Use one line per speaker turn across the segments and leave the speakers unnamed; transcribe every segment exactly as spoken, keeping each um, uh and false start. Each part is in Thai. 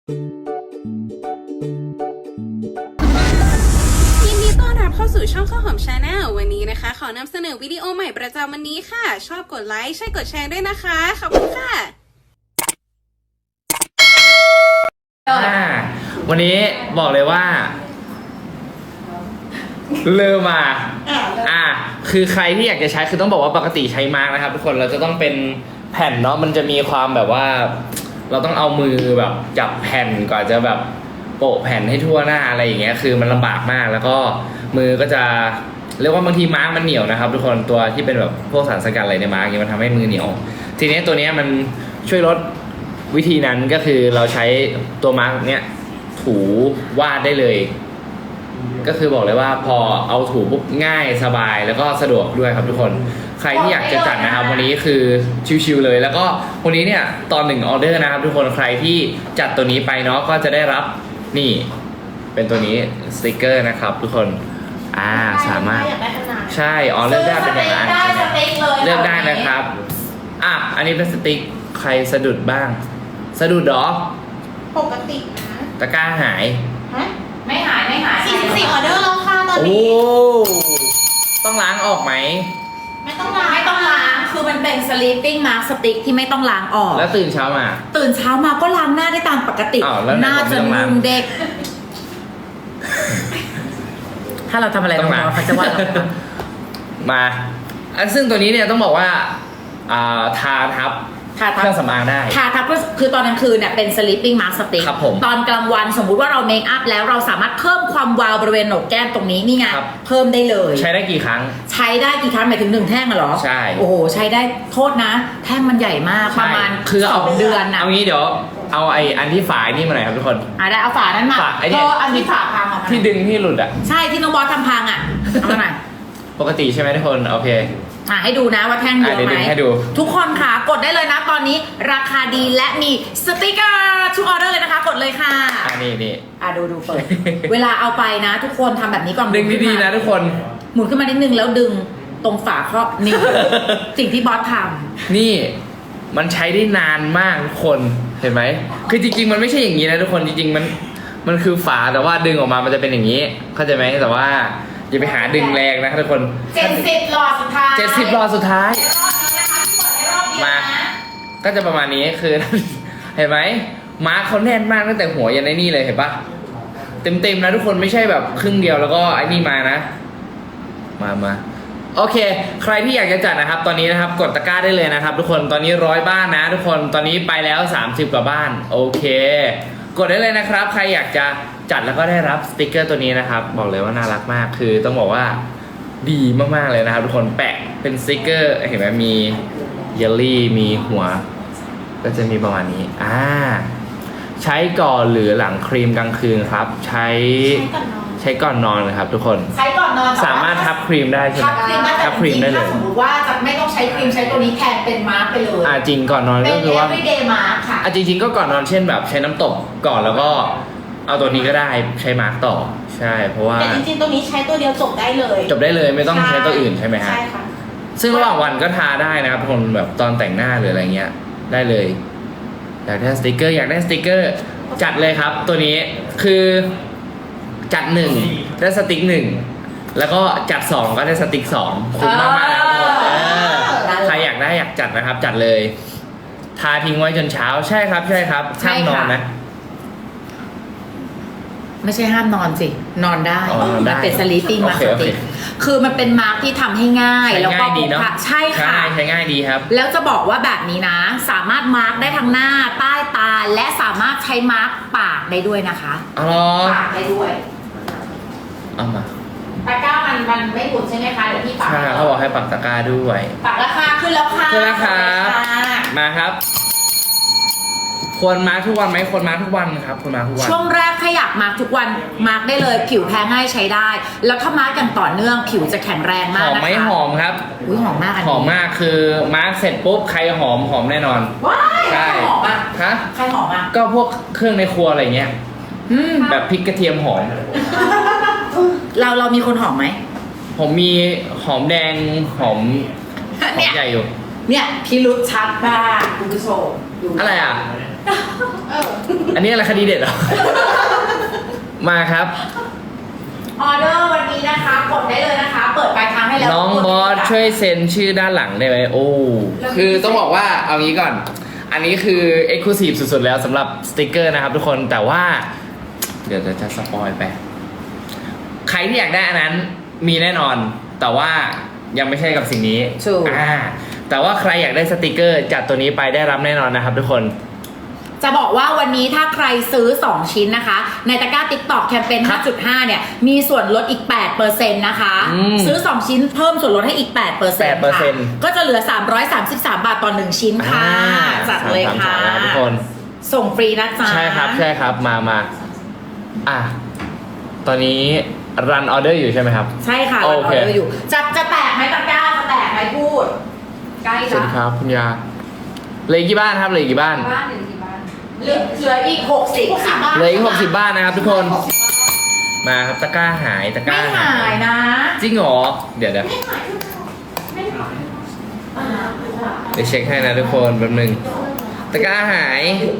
ยินดีต้อนรับเข้าสู่ช่องข้าวหอมชาแนลวันนี้นะคะขอนำเสนอวิดีโอใหม่ประจำวันนี้ค่ะชอบกดไลค์ใช่กดแชร์ด้วยนะคะขอบคุณค่ะ
วันนี้บอกเลยว่าเริ่มมาอ่าคือใครที่อยากจะใช้คือต้องบอกว่าปกติใช้มาร์กนะครับทุกคนเราจะต้องเป็นแผ่นเนาะมันจะมีความแบบว่าเราต้องเอามือแบบจับแผ่นก่อนจะแบบโปะแผ่นให้ทั่วหน้าอะไรอย่างเงี้ยคือมันลำบากมากแล้วก็มือก็จะเรียกว่าบางทีมาร์กมันเหนียวนะครับทุกคนตัวที่เป็นแบบพวกสารสกัดอะไรในมาร์กเนี่ยมันทำให้มือเหนียวทีนี้ตัวนี้มันช่วยลดวิธีนั้นก็คือเราใช้ตัวมาร์กเนี้ยถูวาดได้เลยก็คือบอกเลยว่าพอเอาถูปุ๊บง่ายสบายแล้วก็สะดวกด้วยครับทุกคนใครที่อยากจะจัดนะครับวันนี้คือชิวๆเลยแล้วก็วันนี้เนี่ยตอนหนึ่งออเดอร์นะครับทุกคนใครที่จัดตัวนี้ไปเนาะก็จะได้รับนี่เป็นตัวนี้สติกเกอร์นะครับทุกคนอ่าสามารถใช่อ๋อเลือกได้เป็นอย่างนั้นเลือกได้นะครับอ่ะอันนี้เป็นสติ๊กใครสะดุดบ้างสะดุดหรอ
ปกตินะ
ตะกร้าหาย
ฮะ
ไม่หายไม่หาย
สี่สิบสี่ออเดอร์แล้วค่ะตอนนี้
โอ้ต้องล้างออกไหม
ไม่ต้องล้าง
ไม่ต้องล้างคือมันเป็น sleeping mask stick ที่ไม่ต้องล้างออก
แล้วตื่นเช้ามา
ตื่นเช้ามาก็ล้างหน้าได้ตามปกติหน้าจะนุ่มเด็กถ้าเราทำอะไรน้องๆเขาจะว่าเรา
มาอันซึ่งตัวนี้เนี่ยต้องบอกว่าอ่าทาทับ
ทาทับ
เครื่องสำอางได้
ทาทับก็คือตอนกลางคืนเนี่ยเป็น sleeping mask stick
ครับผม
ตอนกลางวันสมมุติว่าเราเมคอัพแล้วเราสามารถเพิ่มความวาวบริเวณโหนกแก้มตรงนี้นี่ไงเพิ่มได้เลย
ใช้ได้กี่ครั้ง
ใช้ได้กี่ครั้งหมายถึงหนึ่งแท่งเหรอ
ใช่
โอ้โหใช้ได้โทษนะแท่งมันใหญ่มากประมาณ
คือ
สองเดือนนะ
เอางี้เดี๋ยวเอาไอ้อันที่ฝานี่มาหน่อยครับทุกคน
อ่ะได้เอาฝานั้นมา
ไอ้เนี่ย
อันที่ฝาพังอ่ะ
ที่ดึงที่หลุดอ่ะ
ใช่ที่น้องบอสทำพังอ่ะเอามาหน่อย
ปกติใช่ไหมทุกคนโอเค
อ่ะให้ดูนะว่าแท่งเยอะไหมทุกคนค่ะกดได้เลยนะตอนนี้ราคาดีและมีสติกเกอร์ทุกออเดอร์เลยนะคะกดเลยค่ะ
อ่ะนี่นี่
อ่ะดูดูเปิด เวลาเอาไปนะทุกคนทำแบบนี้ก่อน
ดึงดีๆนะทุกคน
หมุนขึ้นมานิดนึงแล้วดึงตรงฝาครอบนี่ สิ่งที่บอสท
ำนี่มันใช้ได้นานมากทุกคนเห็นไหมคือจริงๆมันไม่ใช่อย่างนี้นะทุกคนจริงๆมันมันคือฝาแต่ว่าดึงออกมามันจะเป็นอย่างนี้เข้าใจไหมแต่ว่าอย่าไปหาดึงแรงนะทุกคน
เจ็ดสิบหลอดสุดท้าย
เจ็ดสิบหลอดสุดท้ายมาก็จะประมาณนี้คือเห็นไหมมาร์คเขาแน่นมากตั้งแต่หัวยันไอ้นี่เลยเห็นปะเต็มๆนะทุกคนไม่ใช่แบบครึ่งเดียวแล้วก็ไอ้นี่มานะมามาโอเคใครที่อยากจะจัดนะครับตอนนี้นะครับกดตะกร้าได้เลยนะครับทุกคนตอนนี้ร้อยบ้านนะทุกคนตอนนี้ไปแล้วสามสิบกว่าบ้านโอเคกดได้เลยนะครับใครอยากจะจัดแล้วก็ได้รับสติกเกอร์ตัวนี้นะครับบอกเลยว่าน่ารักมากคือต้องบอกว่าดีมากๆเลยนะครับทุกคนแปะเป็นสติกเกอร์เห็นไหมมีเยลลี่มีหัวก็จะมีประมาณนี้อ่าใช้ก่อนหรือหลังครีมกลางคืนครับใช้ใช้ก่อนนอนนะครับทุกคน
ใช้ก่อนนอน
สามารถทับครีมได้ใช่ไหม
ทับครีมได้เลยสมมติว่าจะไม่ต้องใช้ครีมใช้ตัวนี้แทนเป็นมาร์กไปเลย
อ่าจริงก่อนนอนก็คือว่า
เป็น everyday mask ค่ะ
อ่าจริงๆก็ก่อนนอนเช่นแบบใช้น้ำตบก่อนแล้วก็เอาตัวนี้ก็ได้ใช้มาร์กต่อใช่เพราะว่า
แต่จริงๆตัวนี้ใช้ตัวเดียวจบได้เลย
จบได้เลยไม่ต้องใช้ตัวอื่นใช่ไหมฮะ
ใช่ค่ะ
ซึ่งระหว่างวันก็ทาได้นะครับคนแบบตอนแต่งหน้าหรืออะไรเงี้ยได้เลยอยากได้สติกเกอร์อยากได้สติกเกอร์จัดเลยครับตัวนี้คือจัดหนึ่งได้สติกหนึ่งแล้วก็จัดสองก็ได้สติกสองคุ้มมากๆนะครับใครอยากได้อยากจัดนะครับจัดเลยทาทิ้งไว้จนเช้าใช่ครับใช่ครับห้ามนอนนะ
ไม่ใช่ห้ามนอนสินอนได้มันเป็น sleeping mask stick คือมันเป็นมาร์กที่ทำให้ง่ายแล้วก็
ดีเนาะ
ใช่ค่ะ
ใช้ง่ายดีครับ
แล้วจะบอกว่าแบบนี้นะสามารถมาร์กได้ทั้งหน้าใต้ตาและสามารถใช้มาร์กปากได้ด้วยนะคะ
อ๋อ
ปากได้ด้วย
เอามา
ตะกร้ามันมันไม่หมุนใช่ไหมคะเดี๋ยวพี่ปาก
ใช่เขาบอกให้ปักตะกร้าด้วย
ปากราคาขึ้นแล้วค่ะ
ขึ้นแล้วครับมาครับควรมาทุกวันไหมควรมาทุกวันครับควรมาทุกวัน
ช่วงแรกถ้าอยากมาทุกวันมาได้เลยผิวแพ้ง่ายใช้ได้แล้วถ้ามาอย่างต่อเนื่องผิวจะแข็งแรงมากนะคะ
หอมไม่หอมครับ
อุ้ยหอมมาก
หอมมากคือมาเสร็จปุ๊บใครหอมหอมแน่นอน
ว้ายใครหอมอ่ะ
ฮะ
ใครหอมอ่ะ
ก็พวกเครื่องในครัวอะไรเงี้ยแบบพริกกระเทียมหอม
เราเรามีคนหอมไหม
ผมมีหอมแดงหอมหอมใหญ่อยู่
เนี่ยพี่รุดชัดมากคุณผู้ชม
อะไรอ่ะ
เออ
อันนี้อะไรคดีเด็ดเหรอ มาครับ
ออเดอร์วันนี้นะคะกดได้เลยนะคะ เปิดปลายทางให้แล้ว
น้องบอสช่วยเซ็นชื่อด้านหลังได้ไหมโอ้คือต้องบอกว่าเอางี้ก่อน อันนี้คือ Exclusive สุดๆแล้วสำหรับสติกเกอร์นะครับทุกคนแต่ว่า เดี๋ยวจะสปอยไป ใครที่อยากได้อันนั้นมีแน่นอน แต่ว่ายังไม่ใช่กับสิ่งนี้
ถูก
อ่าแต่ว่าใครอยากได้สติกเกอร์จัดตัวนี้ไปได้รับแน่นอนนะครับทุกคน
จะบอกว่าวันนี้ถ้าใครซื้อสองชิ้นนะคะในตะกร้า TikTok แคมเปญ
ครับ
ห้าจุดห้า เนี่ยมีส่วนลดอีก แปดเปอร์เซ็นต์ นะคะ
อืม
ซื้อสองชิ้นเพิ่มส่วนลดให้อีก แปดเปอร์เซ็นต์
แปดเปอร์
ค่ะ
เซ็นต์
ก็จะเหลือสามร้อยสามสิบสามบาทต่อหนึ่งชิ้นค่ะ
อ่า
จัดเลยค่ะ
สามสามสามนะครับทุกคน
ส่งฟรีนะจ๊ะ
ใช่ครับใช่ครับมามาอ่ะตอนนี้รันออเดอร์อยู่ใช่ไหมครับ
ใช่ค่ะ
โอ
เราอ
เค
อเดอร์อยู่จะจะแตกไหมตะกร้าจะแตกไหมพูดใกล้
สวัส
ละ
ดีครับคุณยาเหลืออกกี่บ้านครับเหลืออกกี่บ้าน
บ้านหนึ่งที่บ้าน
เหลือเหลืออีกหกสิบค่ะ
เหลืออีกหกสิบบ้านนะครับทุกคนมาครับตะกร้าหายตะกร้า
ไม่หายนะ
จริงเหรอเดี๋ยวเดี๋ยว
ไม่หายไม่หาย
เดี๋ยวเช็คให้นะทุกคนแป๊บนึงตะกร้าหาย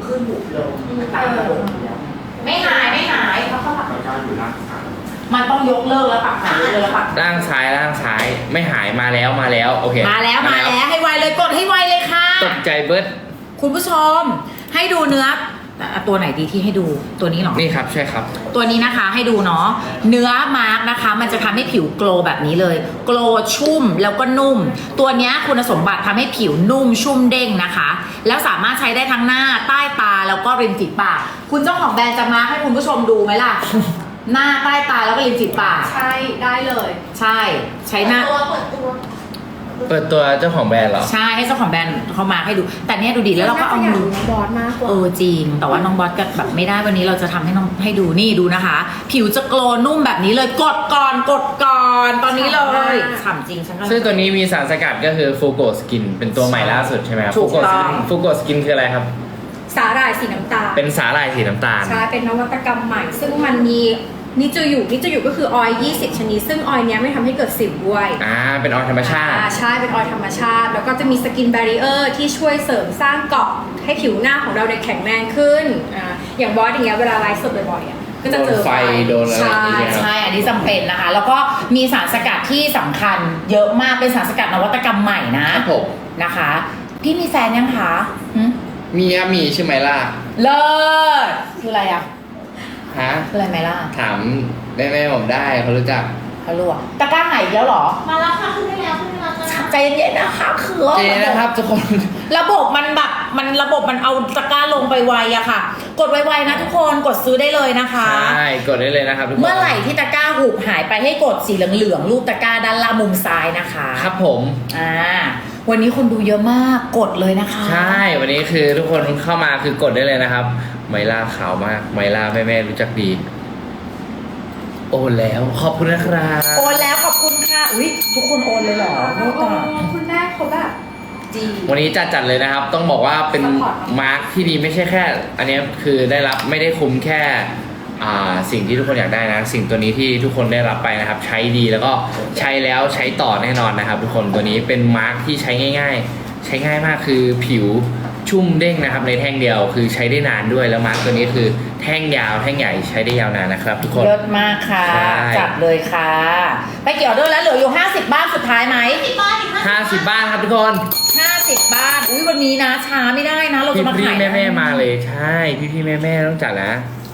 ไม่หายไม่หายมันต้องยกเลิกแล้วปักหายเลยแล้วปัก
ล่างซ้ายล่างซ้ายไม่หายมาแล้วมาแล้วโอเค
มาแล้วมาแล้วให้ไวเลยกดให้ไวเลยค่ะ
ตกใจเบิร์ด
คุณผู้ชมให้ดูเนื้ออ่ะตัวไหนดีที่ให้ดูตัวนี้เหรอ
นี่ครับใช่ครับ
ตัวนี้นะคะให้ดูเนาะเนื้อมาร์กนะคะ มันจะทำให้ผิวโกลว์แบบนี้เลยโกลว์ชุ่มแล้วก็นุ่ม ตัวเนี้ยคุณสมบัติทำให้ผิวนุ่มชุ่มเด้งนะคะ แล้วสามารถใช้ได้ทั้งหน้าใต้ตาแล้วก็ริมฝีปากคุณเจ้าของแบรนด์จะมาร์กให้คุณผู้ชมดูไหมล่ะ หน้าใต้ตาแล้วก็ริมฝีปาก
ใช่ได้เลย
ใช่ใช้หน้า
ตัวเปิดตัว
เปิดตัวเจ้าของแบรนด์เหรอ
ใช่ให้เจ้าของแบรนด์เขามาให้ดู แต่เนี้ยดูดีแล้วเราก็เอามือ
น้องบอสมากกว่า
เออจริง แต่ว่าน้องบอสก็แบบไม่ได้วันนี้เราจะทำให้น้องให้ดูนี่ดูนะคะ ผิวจะโกลว์นุ่มแบบนี้เลยกดก่อนกดก่อนตอนนี้เลยฉ่ำจริงฉันก็
ซึ่งตัวนี้มีสารสกัดก็คือฟูโกสกินเป็นตัวใหม่ล่าสุดใช่ไหมครับ
ถูกต้อง
ฟูโกสกินคืออะไรครับ
สาหร่ายสีน้ำตาล
เป็นสาหร่ายสีน้ำตาล
ใช่เป็นนวัตกรรมใหม่ ซึ่งมันมีนิจูยุนิจูยุก็คือออยล์ยี่สิบชนิด ซึ่งออยล์เนี้ยไม่ทำให้เกิดสิวด้วย
อ่าเป็นออยล์ธรรมชาติ
อ่าใช่เป็นออยล์ธรรมชาติ แล้วก็จะมีสกินแบรีเออร์ที่ช่วยเสริมสร้างเกราะให้ผิวหน้าของเราเนี่ยแข็งแรงขึ้นอ่าอย่างบอสอย่างเงี้ยเวลาไลฟ์สดบ่อยๆอ่ะก็จะเจอ
โดนไฟโดนอะไรอย่างเงี้ย
ใช่อันนี้จำเป็นนะคะ แล้วก็มีสารสกัดที่สำคัญเยอะมากเป็นสารสกัดนวัตกรรมใหม่นะครับ
ผม
นะคะ พี่มีแฟนยังคะหึ
มีครับมีใช่ไหมล่ะ
เลิศคืออะไรอ่ะ
ฮะ
คืออะไรไหมล่ะ
ถามแม่แม่ๆผมได้เขารู้จัก
เขาลวกตะกร้าไหนอีกแล้วเหรอ
มาแล้วค่ะขึ้นได้แล้วขึ้นได้แล้วจ้า
ใจเย็นๆนะคะคือ
เจนะครับทุกคน
ระบบมันแบบมันระบบมันเอาตะกร้าลงไปไวอะค่ะ กดไวๆนะทุกคนกดซื้อได้เลยนะคะ
ใช่กดได้เลยนะครับทุกคน
เมื่อไหร่ที่ตะกร้าหูบหายไปให้กดสีเหลืองๆรูปตะกร้าด้านล่างมุมซ้ายนะคะ
ครับผม
อ่าวันนี้คนดูเยอะมากกดเลยนะคะ
ใช่วันนี้คือทุกคนเข้ามาคือกดได้เลยนะครับ ไมล่าขาวมากไมล่าแม่แม่ๆรู้จักดี โอนแล้วขอบคุณนะครับ
โอนแล้วขอบคุณค่ะอุ้ยทุกคนโอนเลยเหรอโอ้ตาย
คุณแม่เขาแบบดี
วันนี้จัดจัดเลยนะครับ ต้องบอกว่าเป็น
Support
มาร์คที่ดีไม่ใช่แค่ อันนี้คือได้รับไม่ได้คุ้มแค่อ่าสิ่งที่ทุกคนอยากได้นะ สิ่งตัวนี้ที่ทุกคนได้รับไปนะครับ ใช้ดีแล้วก็ใช้แล้วใช้ต่อแน่นอนนะครับ ทุกคนตัวนี้เป็นมาร์คที่ใช้ง่าย ๆ ใช้ง่ายมากคือผิวชุ่มเด้งนะครับในแท่งเดียวคือใช้ได้นานด้วยแล้วมาร์คตัวนี้คือแท่งยาวแท่งใหญ่ใช้ได้ยาวนานนะครับ ทุกคน
เลิศมากค่ะ
ใช่
จัดเลยค่ะ ไปเกี่ยวด้วยแล้วเหลืออยู่ห้าสิบบ้านสุดท้ายไหม
สิบบ้านอีก
ห้าสิบบ้านครับทุกคน
ห้าสิบบ้านอุ้ยวันนี้นะช้าไม่ได้นะ เรา
พี่
จะมา
พี่
ขาย
แม่แม่ๆมาเลยใช่พี่พี่แม่แม่ๆต้องจัดนะ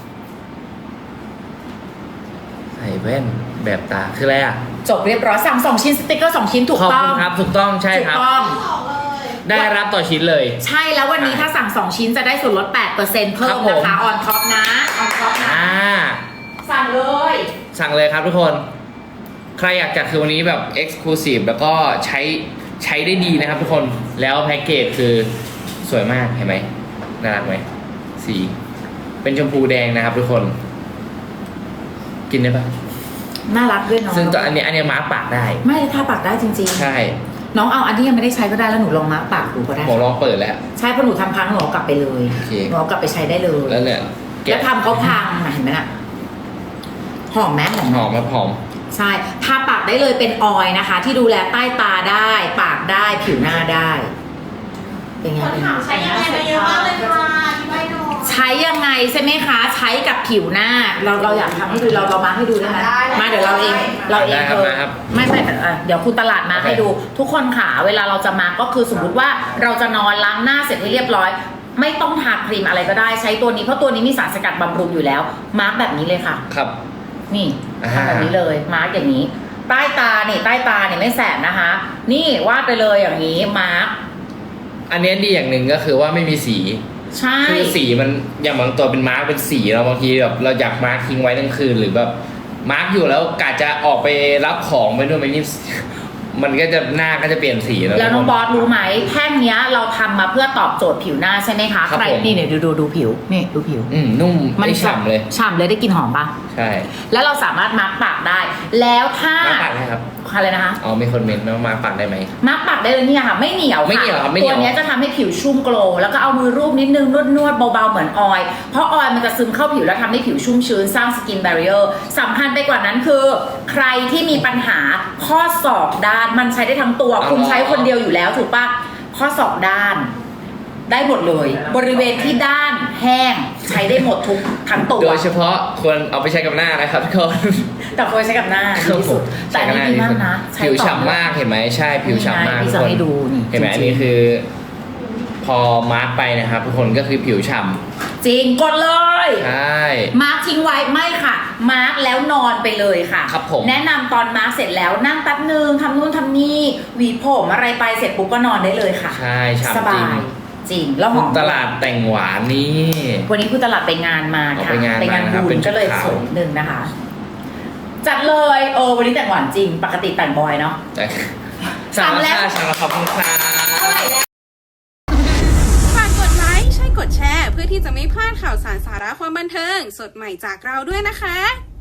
ใส่แว่นแบบตาคืออะไรอ่ะ
จบเรียบร้อยสั่งสองชิ้นสติกเกอร์สองชิ้นถูก
ขอบ
ต้อ
คุ
ง
ณครับถูกต้องใช่
ถู
ค
ก
รับ
ต้อง
สองเลย
ได้รับต่อชิ้นเลย
ใช่แล้ววันนี้ถ้าสั่งสองชิ้นจะได้ส่วนลดแปดเปอร์เซ็นต์เพิ่
ครั
ม
บผม
นะคะออนท็อปนะออนท็อปนะ
อ่า
สั่งเลย
สั่งเลยครับทุกคน ใครอยากจัดคือวันนี้แบบ Exclusive แล้วก็ใช้ใช้ได้ดีนะครับทุกคนแล้วแพ็กเกจคือสวยมากเห็นไหมน่ารักไหมสีเป็นชมพูแดงนะครับทุกคน กินได้ปะ
น่ารักด้วยเนาะ
ซึ่งตัวอันนี้อันนี้มาร์คปากได้
ไม่ทาปากได้จริง
ใช่
ๆ น้องเอาอันที่ยังไม่ได้ใช้ก็ได้แล้วหนูลองมาร์กปากดูก็ได้
ผมลองเปิดแล้ว
ใช่เพราะหนูทำพังหนูเอากลับไปเลย
โอเค
หนูเอากลับไปใช้ได้เลย
แล้วเนี่ย
แล้
เก็บ
วทำเขาพังนะเห็นไหมน่ะหอมไหมหอมไห
ห
ม
อมมาหอม
ใช่ทาปากได้เลยเป็นออยล์นะคะ ที่ดูแลใต้ตาได้ ปากได้ผิวหน้าได้ เป็นไง
คน
เป็นไง
ถามใช้ยังไงมาเยอะมากเลยค่ะที่ไม่นอน
ใช้ยังไงใช่ไหมคะ ใช้กับผิวหน้า เราเราอยากทำให้ดูเราเรามาให้ดูได้ไหมมาเดี๋ยวเราเองเราเอง
ได้ครับ
เออ
มาครับ
ไม่ไม่เอ่อเดี๋ยวคุณตลาดมา
โอเค
ให้ดู ทุกคนค่ะเวลาเราจะมาก็คือสมมติว่าเราจะนอนล้างหน้าเสร็จให้เรียบร้อย ไม่ต้องทาครีมอะไรก็ได้ใช้ตัวนี้เพราะตัวนี้มีสารสกัดบำรุงอยู่แล้วมาร์กแบบนี้เลยค่ะ
ครับ
นี่
อ่า
ทำแบบนี้เลยมาร์กอย่างนี้ ใต้ตาเนี่ยใต้ตาเนี่ยไม่แสบนะคะ นี่วาดไปเลยอย่างนี้มาร์ก
อันเนี้ยดีอย่างหนึ่งก็คือว่าไม่มีสี
ใช่
คือสีมันอย่างบางตัวเป็นมาร์กเป็นสีเราบางทีแบบเราอยากมาร์กทิ้งไว้ทั้งคืนหรือแบบมาร์กอยู่แล้วกะจะออกไปรับของไปด้วยไหมนี่ มันก็จะหน้าก็จะเปลี่ยนสีแล้ว
แล้วน้องบอสรู้ไหมแท่งเนี้ยเราทำมาเพื่อตอบโจทย์ผิวหน้าใช่ไหมคะ
ครับ
ใคร
ผม
นี่เนี่ยดูดูดูผิวนี่ดูผิว
อืมนุ่มไม่ฉ่ำเลย
ฉ่ำเลยได้กลิ่นหอมปะ
ใช่
แล้วเราสามารถมาร์กปากได้ แล้วถ้า
มาร์กปากได้ครับ
อะไรนะคะ
อ๋อมีคนเมนต์ว่ามาร์กปากได้ไหม
มาร์กปากได้เลยเนี่ยค่ะไม่เหนียว
ไม่เหนียวครับไม่เหนี
ตั
ยว ว
เนี้ยจะทำให้ผิวชุ่มโกลว์แล้วก็เอามือรูปนิดนึงนวดนวดๆเบาๆเหมือนออยล์เพราะออยล์มันจะซึมเข้าผิวแล้วทำให้ผิวชุ่มชื้นสร้างสกินแบรีเออร์สำคัญไปกว่านั้นคือ ใครที่มีปัญหาข้อศอกด้านมันใช้ได้ทั้งตัว
อ๋อ
คุณใช้คนเดียวอยู่แล้วถูกปะข้อศอกด้าน ได้หมดเลย บริเวณที่ด้านแห้งใช้ได้หมดทุกทั้งตัว
โดยเฉพาะควรเอาไปใช้กับหน้านะครับทุกคน
แต่ควรใช้กับหน้าดีที่สุดแต่อันนี้ดีมากนะใช้
ผิว
ต่อ
ฉ่ำมากเห็นไหมใช่ผิวฉ่ำมาก
นี่ไงพี่จะให้ดูนี่
เห็นไหม
จริงๆ
อันนี้คือ พอมาร์กไปนะครับทุกคนก็คือผิวฉ่
จริงกดเลย
ำใช่
มาร์กทิ้งไว้ไม่ค่ะ มาร์กแล้วนอนไปเลยค่ะ
ครับผม
แนะนำตอนมาร์กเสร็จแล้วนั่งแป๊บนึงทำนู่นทำนี่หวีผมอะไรไปเสร็จปุ๊บก็นอนได้เลยค่ะ
ใช่ฉ่ำ
ส
จ
บา
ริง
ยจริงแล้วหอม
ตลาดแต่งหวานนี่
วันนี้คุณตลาดไปงานมา
อ๋อ
ค่ะ
ไปงานมานะครับ
บุ
เป็
ญ
นชุด
ก็เลย
ขาว
สวยนิดนึงนะคะ จัดเลยเออวันนี้แต่งหวานจริง ปกติแต่งบอยเนาะ
แต่
สั่งแล้ว
สั่งแล้วขอบคุณครับ
เท่าไหร่แล้ว
ฝากกดไลค์ใช่กดแชร์ เพื่อที่จะไม่พลาดข่าวสารสาระความบันเทิง สดใหม่จากเราด้วยนะคะ